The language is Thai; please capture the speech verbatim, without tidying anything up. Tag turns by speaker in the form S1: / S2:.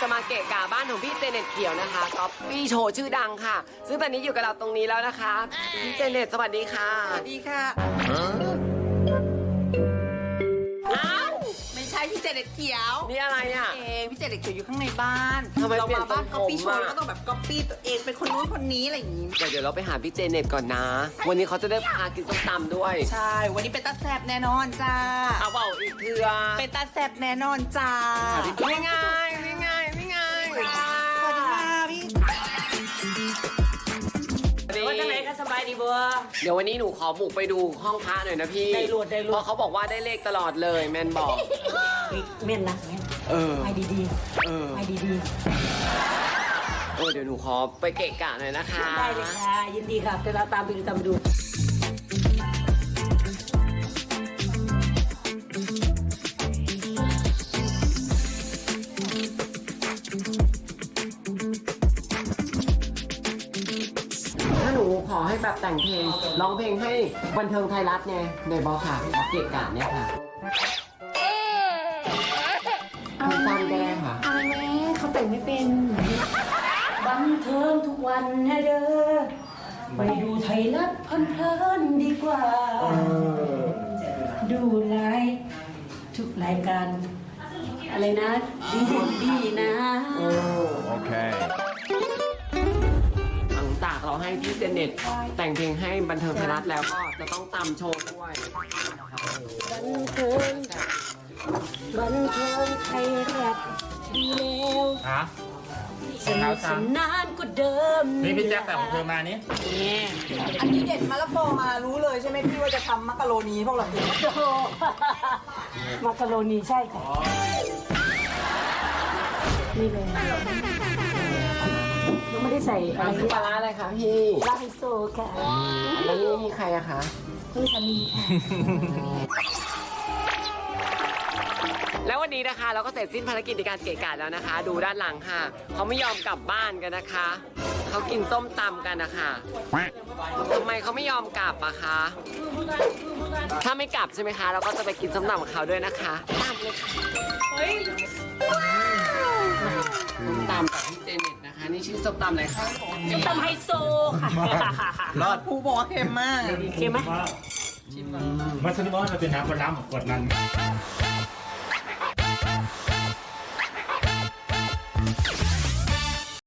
S1: จะมาเกะกะบ้านของพี่เจเน็ตเขียวนะคะก๊อปปี้โชว์ชื่อดังค่ะซึ่งตอนนี้อยู่กับเราตรงนี้แล้วนะคะพี่เจเน็ตสวัสดีค่ะ
S2: สวัสดีค่ะอ้าวไม่ใช่พี่เจเน็ตเขียว
S1: นี่อะไรอ่ะ
S2: เองพี่เจเน็ตเขียวอยู่ข้างในบ้าน
S1: ทำไม
S2: เรา
S1: เปลี่ยน
S2: มาบ้าน
S1: ทรงผม
S2: ก๊อปปี้โชว์
S1: อะ
S2: ก็ต้องแบบก๊อปปี้ตัวเองเป็นคนนู้นคนนี้อะไรอย่างนี้
S1: เดี๋ยวเดี๋ยวเราไปหาพี่เจเน็ตก่อนนะวันนี้เขาจะได้พากินส้มตำด้วย
S2: ใช่วันนี้เป็นตาแซบแน่นอนจ้า
S1: เอาเปล่าอีกเถื่อ
S2: เป็นตาแซบแน่นอนจ้า
S1: ไม่ง่ายไม่ง่ายไม่ง่าย
S2: สวัสดีค่ะพี่
S3: ว่าจังไหนก็สบายดีบัว
S1: เดี๋ยววันนี้หนูขอบุกไปดูห้องพระหน่อยนะพี่
S3: ได้รวดได้รวด
S1: เพราะเขาบอกว่าได้เลขตลอดเลยแมนบอก
S3: เม่นนะเม่น
S1: เออ
S3: ไปดี
S1: เออ
S3: ๆไปดี
S1: เออเดี๋ยวหนูขอไปเกะกะหน่อยนะคะ
S3: ๆได้เลยค่ะยินดีค่ะเดี๋ยวเราตามไปดูตามไปดู
S1: ถ้าหนูขอให้แบบแต่งเพลงร้องเพลงให้บันเทิงไทยรัฐเนี่ยในบอค่ะเกะกะเนี่ยค่ะคือฟังแดงค่ะ
S3: อะไรแม่เขาแต่งไม่เป็นบันเทิงทุกวันนะเด้อไปดูไทยรัฐเพลินๆดีกว่า ดูไลฟ์ทุกรายการอะไรนะ ดีดีนะ
S4: Okay.
S1: หลังจากเราให้พี่เจเน็ตแต่งเพลงให้บันเทิงไทยรัฐแล้วก็จะต้องตำโชว์ด้วย
S3: บันเทิงบันเทิงไทยรัฐดีแล้ว
S4: ฮะ
S3: สนุกสนานกว่าเดิม
S4: นี่พี่แจ๊คแต่ของเธอมานี่
S3: เนี่ย
S2: อันนี้เด็ดมะละกอมารู้เลยใช่ไหมพี่ว่าจะทำมักกะโรนีพวกเรา
S3: โอ้โหมักกะโรนีใช่ค่ะนี่เลยยังไม่ได้ใส่อะไร
S1: มันคือปลาร้าอะไรคะพี่
S3: ลาไฮโซค่ะ
S1: แล้วนี่มีใครอะคะ
S3: นี่สามีค่ะ
S1: แล้ววันนี้นะคะเราก็เสร็จสิ้นภารกิจในการเกะกะแล้วนะคะ ดูด้านหลังค่ะเขาไม่ยอมกลับบ้านกันนะคะเขากินส้มตำกันนะคะทำไมเขาไม่ยอมกลับอะคะถ้าไม่กลับใช่ไหมคะเราก็จะไปกินส้มตำกับเขาด้วยนะคะตามเลยค่ะเฮ้ยส้มตำกับพี่เจเน็ตนะคะนี่ชื่อส้มตำอะไรคะ
S3: ตำไฮโซค่ะ
S4: รอด
S2: ผู้บอกว่าเค็มมาก
S3: เค็มไหม
S5: มันสนุกว่ามันเป็นน้ำปลาร้าหมกกดมัน